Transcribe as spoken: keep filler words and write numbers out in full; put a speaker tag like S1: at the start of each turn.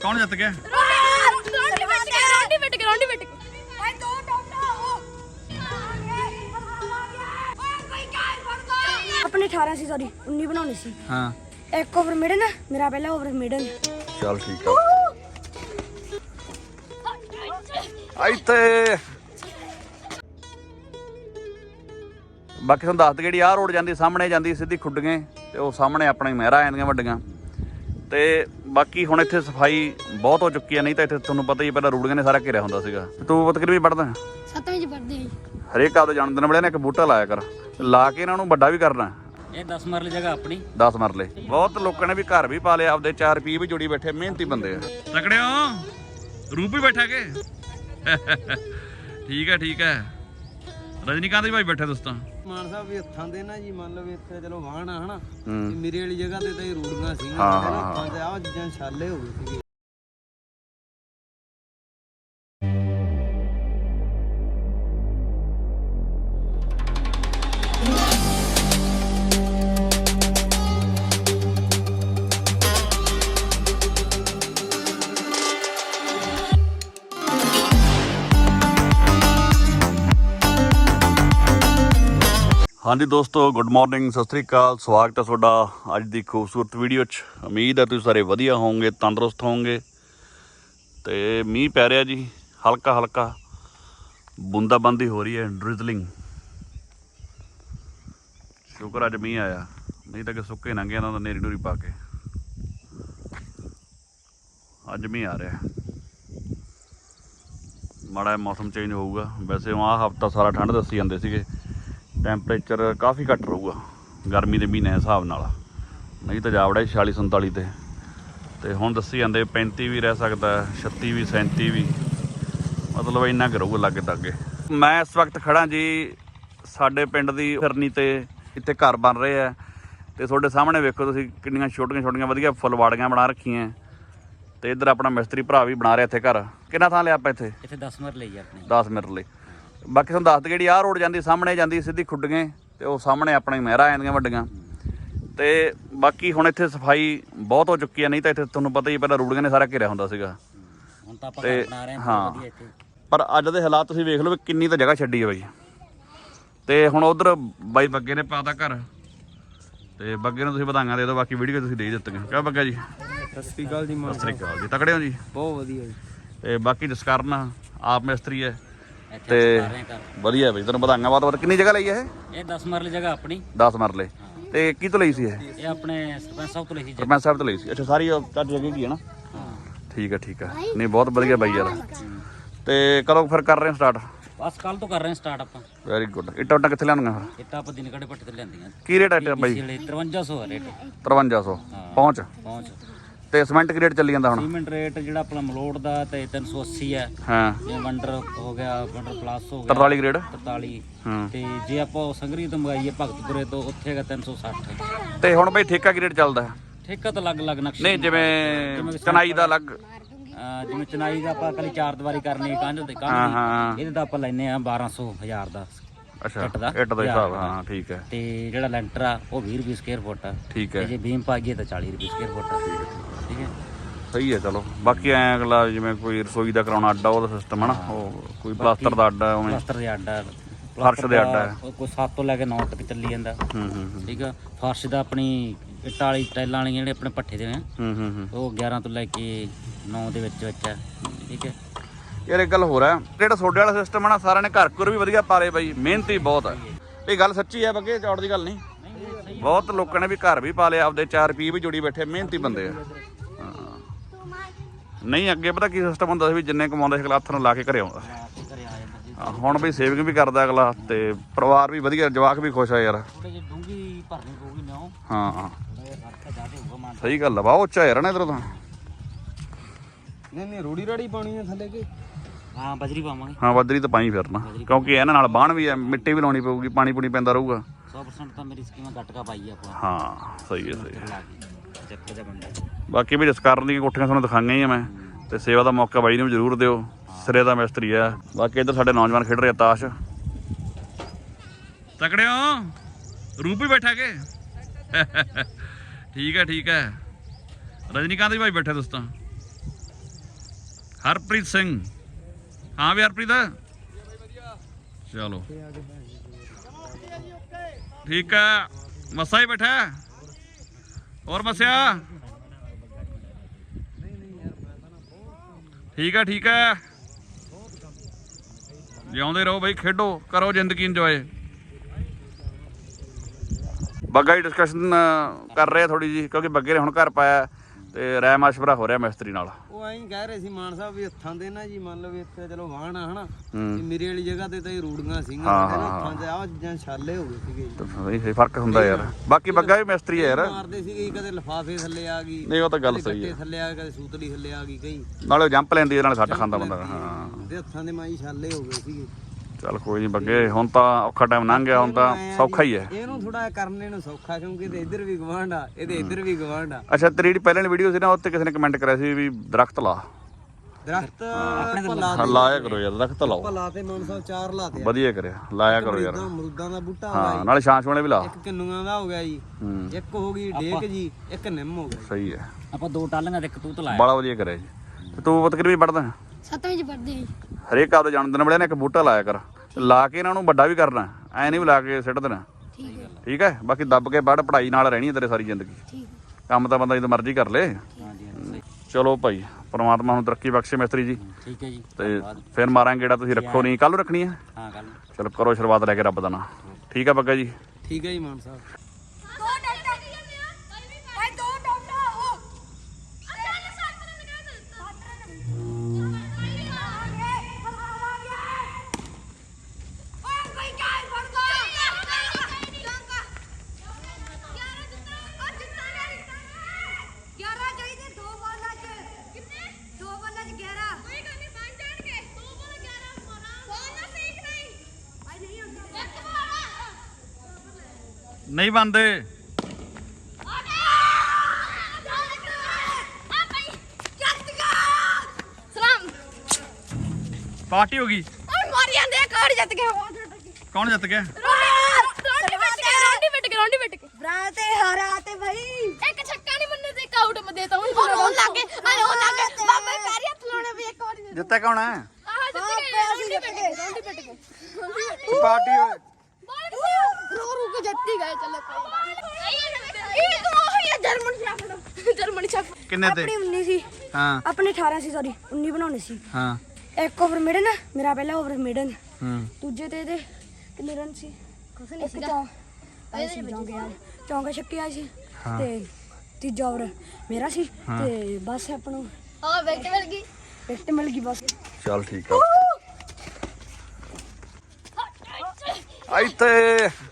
S1: कौन जित गया?
S2: अपने अठारह सी सॉरी उन्नीस बनाने सी।
S1: हाँ
S2: एक ओवर मिडन है मेरा पहला ओवर मिडन।
S1: चल ठीक है। ਇੱਥੇ ਬਾਕੀ ਤੁਹਾਨੂੰ ਦੱਸ ਦੇ ਜਿਹੜੀ ਆਹ ਰੋਡ ਜਾਂਦੀ ਸਾਹਮਣੇ ਜਾਂਦੀ ਸਿੱਧੀ ਖੁੱਡੀਆਂ ਤੇ ਉਹ ਸਾਹਮਣੇ ਆਪਣੀ ਮਹਿਰਾਂ ਆਉਂਦੀਆਂ ਵੱਡੀਆਂ ਤੇ ਬਾਕੀ ਹੁਣ ਇੱਥੇ ਸਫਾਈ ਬਹੁਤ ਹੋ ਚੁੱਕੀ ਹੈ। ਨਹੀਂ ਤਾਂ ਇੱਥੇ ਤੁਹਾਨੂੰ ਪਤਾ ਹੀ ਪਹਿਲਾਂ ਰੂੜੀਆਂ ਨੇ ਸਾਰਾ ਘਿਰਿਆ ਹੁੰਦਾ ਸੀਗਾ। ਤੂੰ ਤਕਰੀਬਨ ਪੜਦਾ
S2: ਸੱਤਵੀਂ ਚ ਪੜਦੇ ਹਾਂ।
S1: ਹਰੇਕ ਆਪਦੇ ਜਨਮਦਿਨ ਵਾਲਿਆਂ ਨੇ ਇੱਕ ਬੂਟਾ ਲਾਇਆ ਕਰ, ਲਾ ਕੇ ਇਹਨਾਂ ਨੂੰ ਵੱਡਾ ਵੀ ਕਰਨਾ।
S3: ਇਹ ਦਸ ਮਰਲੇ ਜਗ੍ਹਾ ਆਪਣੀ
S1: ਦਸ ਮਰਲੇ ਬਹੁਤ ਲੋਕਾਂ ਨੇ ਵੀ ਘਰ ਵੀ ਪਾ ਲਿਆ ਆਪਦੇ, ਚਾਰ ਪੀ ਵੀ ਜੁੜੀ ਬੈਠੇ, ਮਿਹਨਤੀ ਬੰਦੇ ਆ। ਤਕੜਿਓ ਰੂਪ ਵੀ ਬੈਠਾ ਕੇ ਠੀਕ ਹੈ ਠੀਕ ਹੈ। ਰਜਨੀਕਾਂਤ ਵੀ ਭਾਈ ਬੈਠੇ ਦੋਸਤਾਂ।
S4: ਮਾਨ ਸਾਹਿਬ ਵੀ ਹੱਥਾਂ ਦੇ ਨਾ ਜੀ, ਮੰਨ ਲਓ ਵੀ ਇੱਥੇ ਚਲੋ ਵਾਹਣ ਆ ਹਨਾ,
S1: ਹੂੰ
S4: ਮੇਰੇ ਵਾਲੀ ਜਗ੍ਹਾ ਤੇ ਤਾਂ ਇਹ ਰੂੜੀਆਂ ਸੀਗੀਆਂ,
S1: ਹਾਂ,
S4: ਹਨਾ,
S1: ਹਾਂ,
S4: ਹੱਥਾਂ ਤੇ ਆਹ ਚੀਜ਼ਾਂ ਛਾਲੇ ਹੋ ਗਏ ਸੀਗੇ।
S1: ਹਾਂਜੀ ਦੋਸਤੋ, ਗੁੱਡ ਮਾਰਨਿੰਗ, ਸਤਿ ਸ੍ਰੀ ਅਕਾਲ। ਸਵਾਗਤ ਹੈ ਤੁਹਾਡਾ ਅੱਜ ਦੀ ਖੂਬਸੂਰਤ ਵੀਡੀਓ 'ਚ। ਉਮੀਦ ਹੈ ਤੁਸੀਂ ਸਾਰੇ ਵਧੀਆ ਹੋਵੋਗੇ, ਤੰਦਰੁਸਤ ਹੋਵੋਗੇ। ਤੇ ਮੀਂਹ ਪੈ ਰਿਹਾ ਜੀ, ਹਲਕਾ ਹਲਕਾ ਬੂੰਦਾਬਾਂਦੀ ਹੋ ਰਹੀ ਹੈ, ਡ੍ਰਿਜ਼ਲਿੰਗ। ਸ਼ੁਕਰ ਅੱਜ ਮੀਂਹ ਆਇਆ, ਨਹੀਂ ਤਾਂ ਕਿ ਸੁੱਕੇ ਲੰਘ ਜਾਂਦਾ ਹੁੰਦਾ ਨੇਰੀ ਨੂਰੀ ਪਾ ਕੇ। ਅੱਜ ਮੀਂਹ ਆ ਰਿਹਾ, ਮਾੜਾ ਮੌਸਮ ਚੇਂਜ ਹੋਊਗਾ। ਵੈਸੇ ਆਹ ਹਫ਼ਤਾ ਸਾਰਾ ਠੰਡ ਦੱਸੀ ਜਾਂਦੇ ਸੀਗੇ, ਟੈਂਪਰੇਚਰ ਕਾਫੀ ਘੱਟ ਰਹੂਗਾ ਗਰਮੀ ਦੇ ਮਹੀਨੇ ਹਿਸਾਬ ਨਾਲ, ਨਹੀਂ ਤਾਂ ਜਾਵੜਾ ਛਿਆਲੀ ਸੰਤਾਲੀ 'ਤੇ ਤੇ ਹੁਣ ਦੱਸੀ ਜਾਂਦੇ ਪੈਂਤੀ ਵੀ ਰਹਿ ਸਕਦਾ, ਛੱਤੀ ਵੀ, ਸੈਂਤੀ ਵੀ, ਮਤਲਬ ਇੰਨਾ ਕੁ ਰਹੂਗਾ ਲਾਗੇ ਤਾਗੇ। ਮੈਂ ਇਸ ਵਕਤ ਖੜਾ ਜੀ ਸਾਡੇ ਪਿੰਡ ਦੀ ਫਿਰਨੀ 'ਤੇ, ਇੱਥੇ ਘਰ ਬਣ ਰਹੇ ਆ ਤੇ ਤੁਹਾਡੇ ਸਾਹਮਣੇ ਵੇਖੋ ਤੁਸੀਂ ਕਿੰਨੀਆਂ ਛੋਟੀਆਂ ਛੋਟੀਆਂ ਵਧੀਆ ਫੁੱਲਵਾੜੀਆਂ ਬਣਾ ਰੱਖੀਆਂ। ਤੇ ਇੱਧਰ ਆਪਣਾ ਮਿਸਤਰੀ ਭਰਾ ਵੀ ਬਣਾ ਰਿਹਾ ਇੱਥੇ ਘਰ। ਕਿੰਨਾ ਥਾਂ ਲਿਆ ਆਪਾਂ ਇੱਥੇ?
S3: ਇੱਥੇ ਦਸ ਮਰਲੇ ਹੀ ਆਪਣੇ।
S1: ਦਸ ਮਰਲੇ। ਬਾਕੀ ਤੁਹਾਨੂੰ ਦੱਸ ਦੇ ਜਿਹੜੀ ਆਹ ਰੋਡ ਜਾਂਦੀ ਸਾਹਮਣੇ ਜਾਂਦੀ ਸਿੱਧੀ ਖੁੱਡੀਆਂ ਤੇ ਉਹ ਸਾਹਮਣੇ ਆਪਣੀ ਮਹਿਰਾਂ ਆਉਂਦੀਆਂ ਵੱਡੀਆਂ ਤੇ ਬਾਕੀ ਹੁਣ ਇੱਥੇ ਸਫਾਈ ਬਹੁਤ ਹੋ ਚੁੱਕੀ ਹੈ। ਨਹੀਂ ਤਾਂ ਇੱਥੇ ਤੁਹਾਨੂੰ ਪਤਾ ਹੀ ਪਹਿਲਾਂ ਰੂੜੀਆਂ ਨੇ ਸਾਰਾ ਘਿਰਿਆ ਹੁੰਦਾ ਸੀਗਾ।
S3: ਹੁਣ ਤਾਂ ਆਪਾਂ
S1: ਤੇ
S3: ਬਣਾ ਰਹੇ ਹਾਂ
S1: ਹਾਂ,
S3: ਵਧੀਆ ਇੱਥੇ।
S1: ਪਰ ਅੱਜ ਦੇ ਹਾਲਾਤ ਤੁਸੀਂ ਵੇਖ ਲਓ ਵੀ ਕਿੰਨੀ ਤਾਂ ਜਗ੍ਹਾ ਛੱਡੀ ਹੈ ਬਾਈ। ਤੇ ਹੁਣ ਉਧਰ ਬਾਈ ਬੱਗੇ ਨੇ ਪਾਤਾ ਘਰ, ਤੇ ਬੱਗੇ ਨੂੰ ਤੁਸੀਂ ਵਧਾਈਆਂ ਦੇ ਦਿਓ। ਬਾਕੀ ਵੀਡੀਓ ਤੁਸੀਂ ਦੇ ਦਿੱਤੀਆਂ। ਕਿਆ ਬੱਗਾ ਜੀ?
S4: ਸਤਿ ਸ੍ਰੀ ਅਕਾਲ ਜੀ। ਮਾਨ
S1: ਸਤਿ ਸ੍ਰੀ ਅਕਾਲ ਜੀ। ਤਕੜੇ ਹੋ ਜੀ?
S4: ਬਹੁਤ ਵਧੀਆ ਜੀ।
S1: ਤੇ ਬਾਕੀ ਜਸਕਰਨ ਆਪ ਮਿਸਤਰੀ ਹੈ
S3: ਇੱਥੇ
S1: ਤੇ
S3: ਬਣਾ ਰਹੇ ਹਾਂ ਘਰ।
S1: ਵਧੀਆ ਬਈ, ਤੈਨੂੰ ਵਧਾਈਆਂ ਬਹੁਤ ਬਹੁਤ। ਕਿੰਨੀ ਜਗ੍ਹਾ ਲਈ ਹੈ ਇਹ?
S3: ਇਹ ਦਸ ਮਰਲੇ ਜਗ੍ਹਾ ਆਪਣੀ।
S1: ਦਸ ਮਰਲੇ। ਤੇ ਕੀ ਤੋਂ ਲਈ ਸੀ ਇਹ?
S3: ਇਹ ਆਪਣੇ ਸਰਪੰਚ ਸਾਹਿਬ ਤੋਂ ਲਈ ਸੀ ਜਗ੍ਹਾ।
S1: ਸਰਪੰਚ ਸਾਹਿਬ ਤੋਂ ਲਈ ਸੀ। ਅੱਛਾ, ਸਾਰੀ ਚੱਜ ਜਗ੍ਹਾ ਕੀ ਹੈ ਨਾ?
S3: ਹਾਂ
S1: ਠੀਕ ਹੈ ਠੀਕ ਹੈ। ਨਹੀਂ ਬਹੁਤ ਵਧੀਆ ਬਾਈ ਯਾਰ। ਤੇ ਕਦੋਂ ਫਿਰ ਕਰ ਰਹੇ ਹੋ ਸਟਾਰਟ?
S3: ਬਸ ਕੱਲ ਤੋਂ ਕਰ ਰਹੇ ਹਾਂ ਸਟਾਰਟ ਆਪਾਂ।
S1: Very good. ਇੱਟਾਂ ਉੱਟਾਂ ਕਿੱਥੇ ਲਿਆਉਣੀਆਂ ਫਿਰ?
S3: ਇੱਟਾਂ ਆਪਾਂ ਦਿਨਕੜੇ ਪੱਟੇ ਤੇ ਲਿਆਂਦੀਆਂ।
S1: ਕੀ ਰੇਟ ਹੈ ਬਾਈ?
S3: ਤਰਵੰਜਾ ਸੌ ਹੈ ਰੇਟ।
S1: ਤਰਵੰਜਾ ਸੌ ਪਹੁੰਚ।
S3: ਪਹੁੰਚ।
S1: ਤੇ ਸੀਮੈਂਟ ਕੀ ਰੇਟ ਚੱਲੀ ਜਾਂਦਾ ਹੁਣ?
S3: ਸੀਮੈਂਟ ਰੇਟ ਜਿਹੜਾ ਆਪਣਾ ਮਲੋਟ ਦਾ ਤੇ ਤਿੰਨ ਸੌ ਅੱਸੀ ਹੈ।
S1: ਹਾਂ,
S3: ਜੇ ਵੰਡਰ ਹੋ ਗਿਆ, ਵੰਡਰ ਪਲੱਸ ਹੋ ਗਿਆ
S1: ਤਰਤਾਲੀ ਗ੍ਰੇਡ।
S3: ਤਰਤਾਲੀ।
S1: ਹੂੰ।
S3: ਤੇ ਜੇ ਆਪਾਂ ਸੰਗਰੀ ਤੋਂ ਮੰਗਾਈਏ ਭਗਤਪੁਰੇ ਤੋਂ, ਉੱਥੇ ਹੈਗਾ ਤਿੰਨ ਸੌ ਸੱਠ।
S1: ਤੇ ਹੁਣ ਬਾਈ ਠੇਕਾ ਕੀ ਰੇਟ ਚੱਲਦਾ ਹੈ?
S3: ਠੇਕਾ ਤਾਂ ਅਲੱਗ-ਅਲੱਗ ਨਕਸ਼ੇ।
S1: ਨਹੀਂ ਜਿਵੇਂ ਚਨਾਈ ਦਾ ਅਲੱਗ।
S3: ਅਹ ਜਿਵੇਂ ਚਨਾਈ ਦਾ ਆਪਾਂ ਕੱਲੀ ਚਾਰ ਦੀਵਾਰੀ ਕਰਨੀ ਕੰਧ ਤੇ ਕੰਧ
S1: ਹਾਂ
S3: ਦੀ,
S1: ਹਾਂ।
S3: ਇਹਦੇ ਤਾਂ ਆਪਾਂ ਲੈਨੇ ਆ ਬਾਰਾਂ ਸੌ ਹਜ਼ਾਰ ਦਾ।
S1: ਅੱਛਾ,
S3: ਇੱਟ ਦਾ
S1: ਇੱਟ ਦਾ ਹਿਸਾਬ। ਹਾਂ ਠੀਕ ਹੈ
S3: ਤੇ ਜਿਹੜਾ ਲੈਂਟਰ ਆ ਉਹ ਵੀਹ ਰੁਪਏ ਸਕੁਅਰ ਫੁੱਟ ਆ।
S1: ਠੀਕ
S3: ਤੇ
S1: ਹੈ।
S3: ਜੇ ਬੀਮ ਪਾਈਏ ਤਾਂ ਚਾਲੀ ਰੁਪਏ ਸਕੁਅਰ ਫੁੱਟ ਆ। ਠੀਕ ਹੈ,
S1: ਸਹੀ ਹੈ। ਚਲੋ ਬਾਕੀ ਐ ਅਗਲਾ ਜਿਵੇਂ ਕੋਈ ਰਸੋਈ ਦਾ ਕਰਾਉਣਾ ਅੱਡਾ, ਉਹਦਾ ਸਿਸਟਮ ਹੈ ਨਾ, ਉਹ ਕੋਈ ਪਲਾਸਟਰ ਦਾ ਅੱਡਾ, ਉਵੇਂ
S3: ਪਲਾਸਟਰ ਦੇ ਅੱਡਾ,
S1: ਫਰਸ਼ ਦੇ ਅੱਡਾ ਹੈ।
S3: ਉਹ ਕੋਈ ਸੱਤ ਤੋਂ ਲੈ ਕੇ ਨੌ ਤੱਕ ਚੱਲੀ ਜਾਂਦਾ।
S1: ਹੂੰ ਹੂੰ
S3: ਠੀਕ ਆ। ਫਰਸ਼ ਦਾ ਆਪਣੀ ਇੱਟਾਂ ਵਾਲੀ ਟਾਈਲਾਂ ਵਾਲੀਆਂ ਜਿਹੜੇ ਆਪਣੇ ਪੱਠੇ ਦੇ ਨੇ,
S1: ਹੂੰ ਹੂੰ ਹੂੰ।
S3: ਉਹ ਗਿਆਰਾਂ ਤੋਂ ਲੈ ਕੇ ਨੌ ਦੇ ਵਿੱਚ ਵਿੱਚ ਆ। ਠੀਕ ਹੈ
S1: ਯਾਰ ਇੱਕ ਗੱਲ ਹੋਰ ਹੈ, ਜਿਹੜਾ ਤੁਹਾਡੇ ਵਾਲਾ ਸਿਸਟਮ ਹੈ ਨਾ, ਸਾਰਿਆਂ ਨੇ ਘਰ ਘਰ ਵੀ ਵਧੀਆ ਪਾਲੇ ਬਾਈ, ਮਿਹਨਤੀ ਬਹੁਤ ਹੈ। ਇਹ ਗੱਲ ਸੱਚੀ ਹੈ ਬੱਗੇ, ਚੌੜ ਦੀ ਗੱਲ ਨਹੀਂ। ਬਹੁਤ ਲੋਕਾਂ ਨੇ ਵੀ ਘਰ ਵੀ ਪਾ ਲਿਆ ਆਪਦੇ, ਚਾਰ ਪੀ ਵੀ ਜੁੜੀ ਬੈਠੇ, ਮਿਹਨਤੀ ਬੰਦੇ ਆ। ਨਹੀਂ ਅੱਗੇ ਪਤਾ ਕੀ ਸਿਸਟਮ ਹੁੰਦਾ ਸੀ ਵੀ ਜਿੰਨੇ ਕਮਾਉਂਦਾ ਸੀ ਅਗਲਾ ਹੱਥ ਨੂੰ ਲਾ ਕੇ ਘਰੇ ਆਉਂਦਾ ਸੀ।
S3: ਘਰੇ ਆ ਜਾਂਦਾ ਸੀ।
S1: ਹੁਣ ਵੀ ਸੇਵਿੰਗ ਵੀ ਕਰਦਾ ਅਗਲਾ, ਤੇ ਪਰਿਵਾਰ ਵੀ ਵਧੀਆ, ਜਵਾਕ ਵੀ ਖੁਸ਼ ਆ ਯਾਰ।
S3: ਥੋੜੇ ਜਿਹੀ ਡੂੰਗੀ ਭਰਨੀ ਪਊਗੀ ਨਾ।
S1: ਹਾਂ ਹਾਂ
S3: ਖਰਚਾ ਜ਼ਿਆਦਾ ਹੋਊਗਾ ਮਾਨ।
S1: ਸਹੀ ਗੱਲ ਆ, ਬਹੁਤ ਉੱਚਾ ਯਾਰ ਨਾ ਇਧਰੋਂ ਤਾਂ।
S4: ਨਹੀਂ ਨਹੀਂ ਰੂੜੀ ਰਾੜੀ ਪਾਉਣੀ ਹੈ ਥੱਲੇ ਕਿ?
S3: ਹਾਂ ਬਜਰੀ ਪਾਵਾਂਗੇ।
S1: ਹਾਂ ਬਦਰੀ ਤਾਂ ਪਾਈ ਫਿਰਨਾ, ਕਿਉਂਕਿ ਇਹਨਾਂ ਨਾਲ ਬਾਣ ਵੀ ਹੈ, ਮਿੱਟੀ ਵੀ ਲਾਉਣੀ ਪਊਗੀ, ਪਾਣੀ ਪੂਣੀ ਪੈਂਦਾ ਰਹੂਗਾ।
S3: ਸੌ ਪਰਸੈਂਟ ਤਾਂ ਮੇਰੀ ਸਕੀਮਾਂ ਗੱਟਕਾ ਪਾਈ ਆ ਆਪਾਂ।
S1: ਹਾਂ ਸਹੀ ਹੈ ਸਹੀ ਹੈ।
S3: ਲਾ ਕੇ ਚੱਕਰ ਦਾ ਬੰਦਾ।
S1: ਬਾਕੀ ਵੀ ਜਸਕਰਨ ਦੀਆਂ ਕੋਠੀਆਂ ਤੁਹਾਨੂੰ ਦਿਖਾਈਆਂ ਹੀ ਆ ਮੈਂ, ਤੇ ਸੇਵਾ ਦਾ ਮੌਕਾ ਬਾਈ ਨੂੰ ਵੀ ਜ਼ਰੂਰ ਦਿਓ, ਸਿਰੇ ਦਾ ਮਿਸਤਰੀ ਆ। ਬਾਕੀ ਇੱਧਰ ਸਾਡੇ ਨੌਜਵਾਨ ਖੇਡ ਰਹੇ ਆ ਤਾਸ਼। ਤਕੜਿਓ ਰੂਪ ਵੀ ਬੈਠਾ ਕੇ ਠੀਕ ਹੈ ਠੀਕ ਹੈ। ਰਜਨੀਕਾਂਤ ਵੀ ਭਾਈ ਬੈਠੇ ਦੋਸਤਾਂ। ਹਰਪ੍ਰੀਤ ਸਿੰਘ ਹਾਂ ਵੀ ਹਰਪ੍ਰੀਤ ਚਲੋ ਠੀਕ ਹੈ ਮੱਸਾ ਹੀ ਬੈਠਾ ਹੋਰ ਮੱਸਿਆ ਠੀਕ ਹੈ ਠੀਕ ਹੈ ਜਿਉਂਦੇ ਰਹੋ ਬਈ ਖੇਡੋ ਕਰੋ ਜ਼ਿੰਦਗੀ ਇੰਜੋਏ ਬੱਗਾ ਹੀ ਡਿਸਕਸ਼ਨ ਕਰ ਰਹੇ ਥੋੜੀ ਜੀ ਕਿਉਂਕਿ ਬੱਗੇ ਨੇ ਹੁਣ ਘਰ ਪਾਇਆ ਤੇ ਰਾਇ ਮਸ਼ਵਰਾ ਹੋ ਰਿਹਾ ਮਿਸਤਰੀ ਨਾਲ
S4: ਉਹ ਐਂ ਕਹਿ ਰਹੇ ਸੀ ਮਾਨ ਸਾਹਿਬ ਵੀ ਹੱਥਾਂ ਦੇ ਨਾ ਜੀ ਮੰਨ ਲਓ ਵੀ ਇੱਥੇ ਚਲੋ ਵਾਹਣ ਆ ਹਨਾ
S1: ਹੂੰ।
S4: ਤੇ ਮੇਰੇ ਵਾਲੀ ਜਗ੍ਹਾ ਤੇ ਤਾਂ ਇਹ ਰੂੜੀਆਂ ਸੀਗੀਆਂ
S1: ਹਾਂ,
S4: ਕਹਿੰਦਾ
S1: ਹਾਂ,
S4: ਹੱਥਾਂ 'ਚ ਆਹ ਚੀਜ਼ਾਂ ਛਾਲੇ ਹੋ ਗਏ ਸੀਗੇ ਜੀ
S1: ਇਹ ਫਰਕ ਹੁੰਦਾ ਯਾਰ ਬਾਕੀ ਬੱਗਾ ਵੀ ਮਿਸਤਰੀ ਹੈ ਯਾਰ
S4: ਮਾਰਦੇ ਸੀਗੇ ਜੀ, ਕਦੇ ਲਿਫਾਫੇ ਥੱਲੇ ਆ ਗਈ
S1: ਨਹੀਂ ਉਹ ਤਾਂ ਗੱਲ
S4: ਕਦੇ
S1: ਸਹੀ
S4: ਗੱਟੇ
S1: ਹੈ
S4: ਥੱਲੇ ਆ ਗਏ ਕਦੇ ਸੂਤਲੀ ਥੱਲੇ ਆ ਗਈ ਕਈ
S1: ਨਾਲੇ ਜੰਪ ਲੈਂਦੀ ਇਹਦੇ ਨਾਲ ਸੱਟ ਖਾਂਦਾ ਬੰਦਾ ਹਾਂ
S4: ਤੇ ਹੱਥਾਂ ਦੇ ਮਾਈ ਛਾਲੇ ਹੋ ਗਏ ਸੀਗੇ
S1: ਚੱਲ ਕੋਈ ਨਹੀਂ ਬੱਗੇ ਹੁਣ ਤਾਂ ਔਖਾ ਟਾਈਮ ਲੰਘ ਗਿਆ ਹੁਣ ਤਾਂ ਸੌਖਾ ਹੀ ਹੈ
S4: ਇਹਨੂੰ ਥੋੜਾ ਕਰਨੇ ਨੂੰ ਸੌਖਾ ਕਿਉਂਕਿ ਇਹਦੇ ਇੱਧਰ ਵੀ ਗਵਾਂਢ ਆ ਇਹਦੇ ਇੱਧਰ ਵੀ ਗਵਾਂਢ ਆ
S1: ਅੱਛਾ ਤੇਰੀ ਜਿਹੜੀ ਪਹਿਲਾਂ ਵਾਲੀ ਵੀਡੀਓ ਸੀ ਨਾ ਉੱਤੇ ਕਿਸੇ ਨੇ ਕਮੈਂਟ ਕਰਿਆ ਸੀ ਵੀ ਦਰਖਤ ਲਾ
S4: ਦਰਖਤ ਭਲਾ
S1: ਹਾਂ, ਲਾਇਆ ਕਰੋ ਯਾਰ ਦਰਖਤ ਲਾਓ
S4: ਭਲਾ ਤੇ ਮਾਨ ਸਾਹਿਬ ਚਾਰ ਲਾਤੇ ਆ
S1: ਵਧੀਆ ਕਰਿਆ ਲਾਇਆ ਕਰੋ ਯਾਰ
S4: ਅਮਰੂਦਾਂ ਅਮਰੂਦਾਂ ਦਾ ਬੂਟਾ ਹੋ
S1: ਹਾਂ
S4: ਗਿਆ
S1: ਨਾਲੇ ਛਾਂਛ ਵਾਲੇ ਵੀ ਲਾ
S4: ਜੀ, ਇੱਕ ਕਿੰਨੂਆਂ ਦਾ ਹੋ ਗਿਆ ਜੀ
S1: ਹੂੰ
S4: ਇੱਕ ਹੋ ਗਈ ਡੇਕ ਜੀ ਇੱਕ ਨਿੰਮ ਹੋ ਗਿਆ
S1: ਸਹੀ ਹੈ
S3: ਆਪਾਂ ਦੋ ਟਾਲੀਆਂ ਤੇ ਇੱਕ ਤੂਤ ਲਾਇਆ
S1: ਬੜਾ ਵਧੀਆ ਕਰਿਆ ਜੀ ਤੇ ਤੂੰ ਤਕਰੀਬਨ ਪੜਦਾ
S2: ਸੱਤਵੀਂ ਚ ਪੜ੍ਹਦੇ ਹਾਂ ਜੀ
S1: ਹਰੇਕ ਆਪਦੇ ਜਨਮ ਦਿਨ ਵੇਲੇ ਨਾ ਇੱਕ ਬੂਟਾ ਲਾਇਆ ਕਰ ਲਾ ਕੇ ਇਹਨਾਂ ਨੂੰ ਵੱਡਾ ਵੀ ਕਰਨਾ ਐ ਨਹੀਂ ਵੀ ਲਾ ਕੇ ਸਿੱਟ ਦੇਣਾ
S2: ਠੀਕ ਹੈ
S1: ਠੀਕ ਹੈ ਬਾਕੀ ਦੱਬ ਕੇ ਪੜ੍ਹ ਪੜ੍ਹਾਈ ਨਾਲ ਰਹਿਣੀ ਹੈ ਤੇਰੇ ਸਾਰੀ ਜ਼ਿੰਦਗੀ
S2: ਠੀਕ ਹੈ
S1: ਕੰਮ ਤਾਂ ਬੰਦਾ ਜਦੋਂ ਮਰਜ਼ੀ ਕਰ ਲੇ
S3: ਹਾਂਜੀ ਹਾਂਜੀ
S1: ਚਲੋ ਭਾਈ ਪ੍ਰਮਾਤਮਾ ਨੂੰ ਤਰੱਕੀ ਬਖਸ਼ੇ ਮਿਸਤਰੀ ਜੀ
S3: ਠੀਕ ਹੈ ਜੀ
S1: ਤੇ ਫਿਰ ਮਾਰਾਂਗੇ ਗੇੜਾ ਤੁਸੀਂ ਰੱਖੋ ਨਹੀਂ ਕੱਲ ਨੂੰ ਰੱਖਣੀ ਹੈ
S3: ਹਾਂ ਗੱਲ
S1: ਚਲੋ ਕਰੋ ਸ਼ੁਰੂਆਤ ਲੈ ਕੇ ਰੱਬ ਦਾ ਨਾਂ ਠੀਕ ਆ ਬੱਗਾ ਜੀ
S4: ਠੀਕ ਹੈ ਜੀ ਮਾਨ ਸਾਹਿਬ
S2: ਦੋ ਡਾਟਾ ਭਾਈ ਦੋ ਡਾਟਾ ਉਹ ਅਚਾਨਕ ਸਾਹਮਣੇ
S1: ਨਹੀਂ ਬੰਦੇ ਪਾਰਟੀ ਹੋ ਗਈ
S2: ਮਾਰੀ ਜਾਂਦੇ ਆ ਕਾਰ ਜਿੱਤ ਗਿਆ
S1: ਕੌਣ ਜਿੱਤ ਗਿਆ
S2: ਰੌਂਡੀ ਵੱਟ ਕੇ ਰੌਂਡੀ ਵੱਟ ਕੇ ਰੌਂਡੀ ਵੱਟ ਕੇ ਬਰਾ ਤੇ ਹਰਾ ਤੇ ਭਾਈ ਇੱਕ ਛੱਕਾ ਨਹੀਂ ਮੰਨੇ ਤੇ ਇੱਕ ਆਊਟ ਮੈਂ ਦੇਤਾ ਹੂੰ ਉਹ ਲੱਗੇ ਅਰੇ ਉਹ ਲੱਗੇ ਬਾਬੇ ਪੈਰੀ ਹੱਥ ਲਾਉਣੇ ਵੀ ਇੱਕ ਵਾਰੀ
S1: ਜਿੱਤਿਆ ਕੌਣ ਹੈ
S2: ਆਹ ਜਿੱਤ ਗਏ ਰੌਂਡੀ ਵੱਟ ਕੇ ਰੌਂਡੀ ਵੱਟ ਕੇ
S1: ਪਾਰਟੀ ਹੋਏ
S2: ਰੋ ਰੋ ਕੇ ਜਿੱਤੀ ਗਏ ਚੱਲੇ ਇਹ ਤਾਂ ਉਹ ਹੀ ਜਰਮਨ ਸ਼ੈਫਰਡ ਜਰਮਨ ਸ਼ੈਫਰਡ
S1: ਕਿੰਨੇ ਤੇ
S2: ਆਪਣੀ ਉੱਨੀ ਸੀ
S1: ਹਾਂ
S2: ਆਪਣੇ ਅਠਾਰਾਂ ਸੀ ਸੌਰੀ ਉੱਨੀ ਬਣਾਉਣੇ ਸੀ
S1: ਹਾਂ
S2: ਇੱਕ ਓਵਰ ਮਿਡਨ ਮੇਰਾ ਪਹਿਲਾ ਓਵਰ ਮਿਡਨ
S1: ਹੂੰ
S2: ਦੂਜੇ ਤੇ ਇਹਦੇ ਕਿੰਨੇ ਰਨ ਸੀ ਕੁਛ ਨਹੀਂ ਸੀਗਾ ਐਸੀ ਚੌਂਕੇ ਆ ਚੌਂਕੇ ਛੱਕੇ ਆਏ ਸੀ ਤੇ ਤੀਜਾ ਓਵਰ ਮੇਰਾ ਸੀ ਤੇ ਬਸ ਆਪਾਂ ਨੂੰ ਆ ਵਿਕਟ ਮਿਲ ਗਈ ਵਿਕਟ ਮਿਲ ਗਈ ਬਸ
S1: ਚੱਲ ਠੀਕ ਆ ਇੱਥੇ